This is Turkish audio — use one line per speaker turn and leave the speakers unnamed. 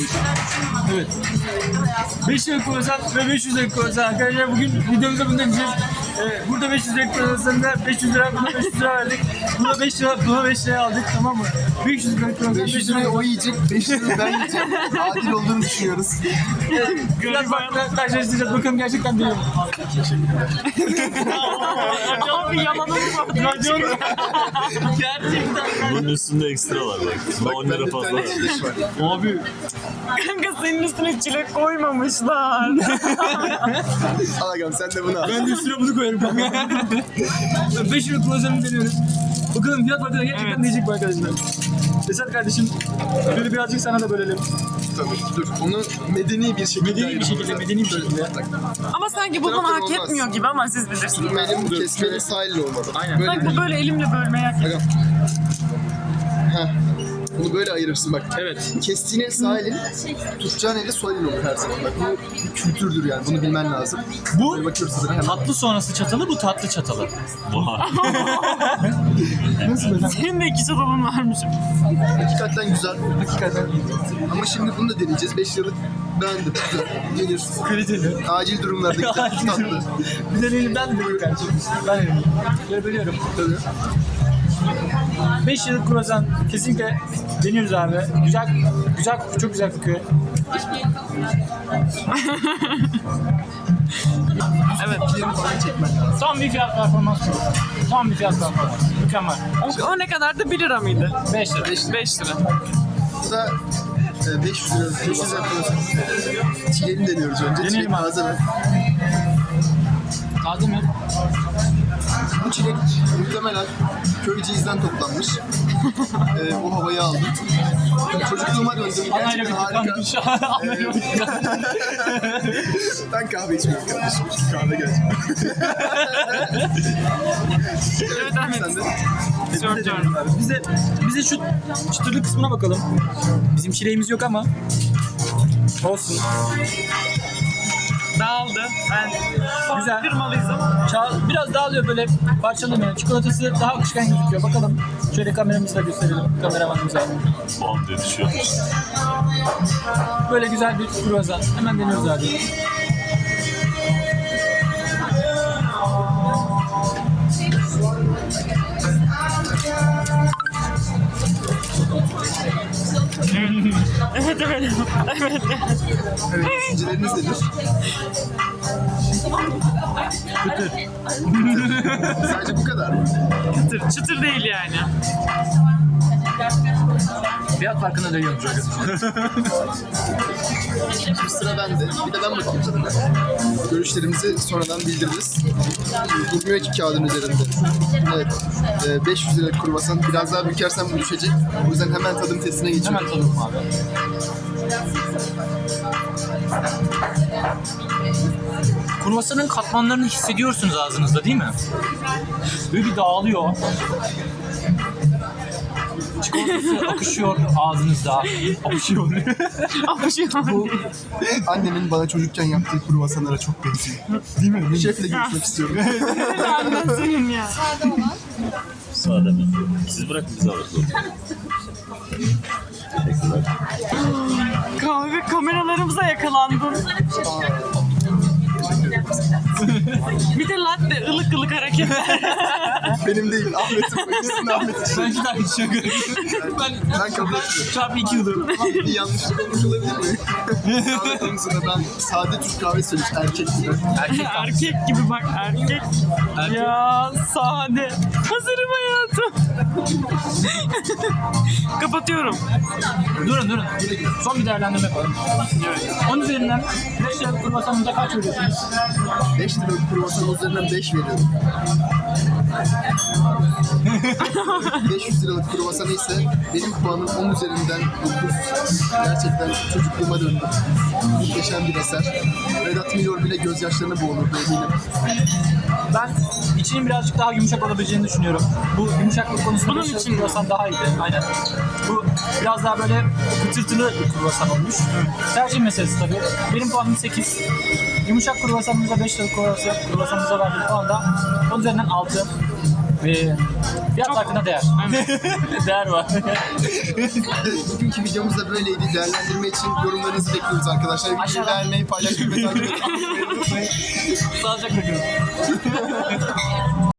Evet. 5 lira kruvasan ve 500 lira kruvasan arkadaşlar. Bugün videomuzda bunu deneyeceğiz. Burada 500 lira kruvasanında 500 lira, buna 500 lira verdik. Buna 5 lira, buna 5 lira aldık, tamam mı? 500 lira kruvasan,
500 lirayı o yiyecek, 500 lirayı ben yiyeceğim. Adil olduğunu düşünüyoruz.
Biraz farklı karşılaştıracağız. Bakalım gerçekten değil mi?
Abi yalanım var.
Racon. Gerçekten.
Bunun üstünde ekstra var bak. Bak 10 lira fazla var.
Abi.
Kanka senin üstüne çilek koymamışlar.
Al agam sen de bunu al.
Ben de üstüne bunu koyarım kanka. 5 lira kruvasanı deniyoruz. Bakalım fiyat bakımından gerçekten diyecek mi arkadaşlar? Esat kardeşim, böyle birazcık sana da bölelim.
Tabii dur. Onu medeni bir şekilde
Medeni bir şekilde.
Ama sanki bu bana hak etmiyor gibi ama siz bilirsiniz.
Tutmayalım, kesmeli sahille olmalı.
Aynen.
Böyle
Sanki bu böyle elimle bölmeye hak ediyor.
agam. Heh. Bunu böyle ayırırsın bak.
Evet.
Kestiğin el sağ elin, tutacağın eli sol elin olur her zaman. Bak bu bir kültürdür yani. Bunu bilmen lazım.
Bu
Böyle bakıyoruz tadına hemen.
tatlı sonrası çatalı, bu tatlı çatalı.
Vay.
Nasıl böyle?
Senin de iki çatalın varmış.
Hakikaten güzel. Hakikaten. Ama şimdi bunu da deneyeceğiz. 5 liralık beğendim. Güzel. Yenir.
Kaliteli.
Acil durumlarda
Acil
tatlı.
durum. Bir de elimden de kardeşim. Ben elimden. Böyle bölüyorum.
Tabii.
5 yıllık kruvasan kesinlikle deniyoruz abi. Güzel, güzel kokuyor, çok güzel kokuyor.
Evet.
Yerini falan çekmen lazım.
Son bir fiyat performans. Son bir fiyat performans. Mükemmel.
O ne kadardı? 1 lira mıydı?
5 lira.
5 lira.
Bu da 500 lira. 500 lira kruvasan. Çileğini deniyoruz önce.
Deneyelim
Çilek
abi.
taze mi?
Taze mi?
Bu çilek muhtemelen Köyceğiz'den toplanmış. O havayı aldım. Çocukluğuma döndüm.
Anayla
Gerçekten
bir
harika.
tıkanmış. Anayla bir tıkanmış.
Ben kahve içmiyorum kardeşim. Kahve gelecek.
Evet Ahmet.
Sen de.
Söylüyorum.
Bize şu çıtırlı kısmına bakalım. Bizim çileğimiz yok ama. Olsun.
Dağıldı. Ben
Güzel.
kırmalıyız ama.
Biraz dağılıyor böyle parçalanıyor. Çikolatası daha akışkan gözüküyor. Bakalım. Şöyle kameramızı da gösterelim. Kameramanımıza.
Bam diye düşüyor.
Böyle güzel bir kruvasan. Hemen deniyoruz abi.
Evet evet. Evet.
Evet, düşünceleriniz nedir? Sadece bu kadar mı?
Çıtır. Çıtır değil yani.
Fiyat farkına dönüyorum çünkü.
Şimdi sıra bende. Bir de ben bakayım tadına. Görüşlerimizi sonradan bildiririz. Durmuyor ki kağıdın üzerinde. Evet. 500 lira kruvasan. Biraz daha bükersem bu düşecek. O yüzden hemen tadım testine geçiyorum.
Hemen tadalım abi. Kruvasanın katmanlarını hissediyorsunuz ağzınızda değil mi? Böyle bir dağılıyor. Çikolatası akışıyor ağzınızda. Akışıyor.
Bu annemin bana çocukken yaptığı kruvasanlara çok benziyor. Değil mi? Şefle görüşmek istiyorum.
Ben senin ya.
Sade mi? Siz bırakın biz alırız. Teşekkürler.
Kahve kameralarımıza yakalandın. Bir de latte ılık ılık hareketler.
Benim değil, Ahmet'in. İkisinin Ahmet'in.
Ben iki tane içiyorum.
Ben kabul etmiyorum.
Çarpı 2 yıldır.
Bir yanlışlık olmuş olabilir mi? Kahve konusunda ben sade Türk kahve söylemiş erkek gibi.
Erkek gibi bak erkek. Ya sade. Hazırım hayatım. Kapatıyorum.
Durun. Son bir değerlendirme yapalım. Onun üzerinden 5 liralık kruvasanımıza kaç veriyorsunuz?
5 liralık kruvasan üzerinden 5 veriyorum. 500 liralık kruvasanı ise benim puanım 10 üzerinden 9. Gerçekten çocukluğuma döndüm. Muhteşem bir eser. Vedat Milor bile gözyaşlarına boğulurdu eminim.
Ben içinin birazcık daha yumuşak olabileceğini düşünüyorum. Bu yumuşaklık konusunda
Bunun
5 liralık
için mi?
kruvasan daha iyiydi. Aynen. Bu biraz daha böyle kıtırtılı bir kruvasan olmuş. Tercih meselesi tabii. Benim puanım 8. Yumuşak kruvasanımıza 5 liralık kruvasanımıza verdiğim puan da 10 üzerinden 6.
Fiyat farkına değer.
Değer var.
Bugünkü videomuz da böyleydi. Değerlendirme için yorumlarınızı bekliyoruz arkadaşlar. Videoyu
Aşağıdan.
beğenmeyi, paylaşmayı ve takip etmeyi unutmayın.
Sağlıcakla kalın.